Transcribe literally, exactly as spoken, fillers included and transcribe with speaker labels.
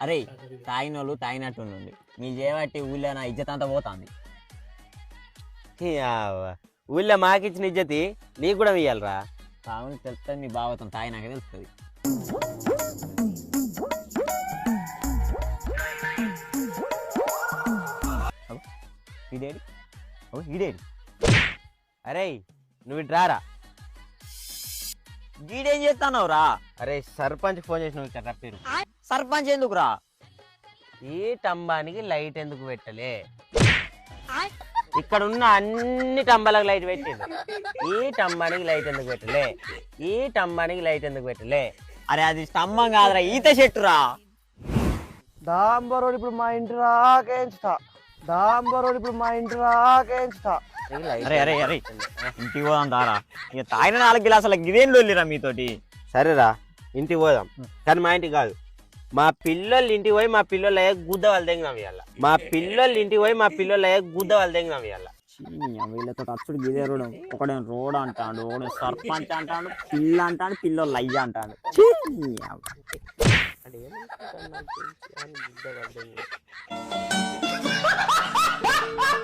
Speaker 1: అరే తాగినోళ్ళు తాగినట్టుండి మీరు చేయబట్టి ఊళ్ళో నా ఇజ్జత్ అంతా పోతుంది.
Speaker 2: ఊళ్ళో మాకిచ్చిన ఇజ్జతి నీకు కూడా ఇయ్యాలరా.
Speaker 1: తాగుని తెలుస్తుంది, మీ బావతం తాగినాక తెలుస్తుంది. ఇదేడి ఈడేడి.
Speaker 2: అరే నువ్వు ఇటు రారా.
Speaker 1: గీడేం చేస్తున్నావు రా?
Speaker 2: అరే సర్పంచ్ ఫోన్ చేసి నువ్వు ఇక్కడ పేరు.
Speaker 1: సర్పంచ్ ఎందుకు రా?
Speaker 2: ఈ టంబానికి లైట్ ఎందుకు పెట్టలే? ఇక్కడ ఉన్న అన్ని టంబాలకు లైట్ పెట్టింది. ఈ టంబానికి లైట్ ఎందుకు పెట్టలే? ఈ టంబానికి లైట్ ఎందుకు పెట్టలే?
Speaker 1: అరే అది స్తంభం కాదురా, ఈత చెట్టురా.
Speaker 3: దాంబరోడు ఇప్పుడు మా ఇంటి రాకేంచుతా. దాంబరోడు ఇప్పుడు మా ఇంటి రాకేంచుతా.
Speaker 1: అరే అరే అరే ఇంటికి పోదాం దారా. ఇక తాగిన నాలుగు గిలాసులకు ఇదేం లొల్లిరా మీతోటి.
Speaker 2: సరేరా ఇంటికి పోదాం, కానీ మా ఇంటికి కాదు. మా పిల్లలు ఇంటికి పోయి మా పిల్లలు గుద్ద వాళ్ళు తెంగినాం ఇవాళ. మా పిల్లలు ఇంటికి పోయి మా పిల్లలు గుద్ద వాళ్ళు తెంగినాం ఇవాళ.
Speaker 1: వీళ్ళతో అచ్చుడు గిదే రోడ్. ఒకడే రోడ్ అంటాడు, ఒకడే సర్పంచ్ అంటాడు, పిల్ల అంటాడు, పిల్లలు అయ్య అంటాడు.
Speaker 2: అంటే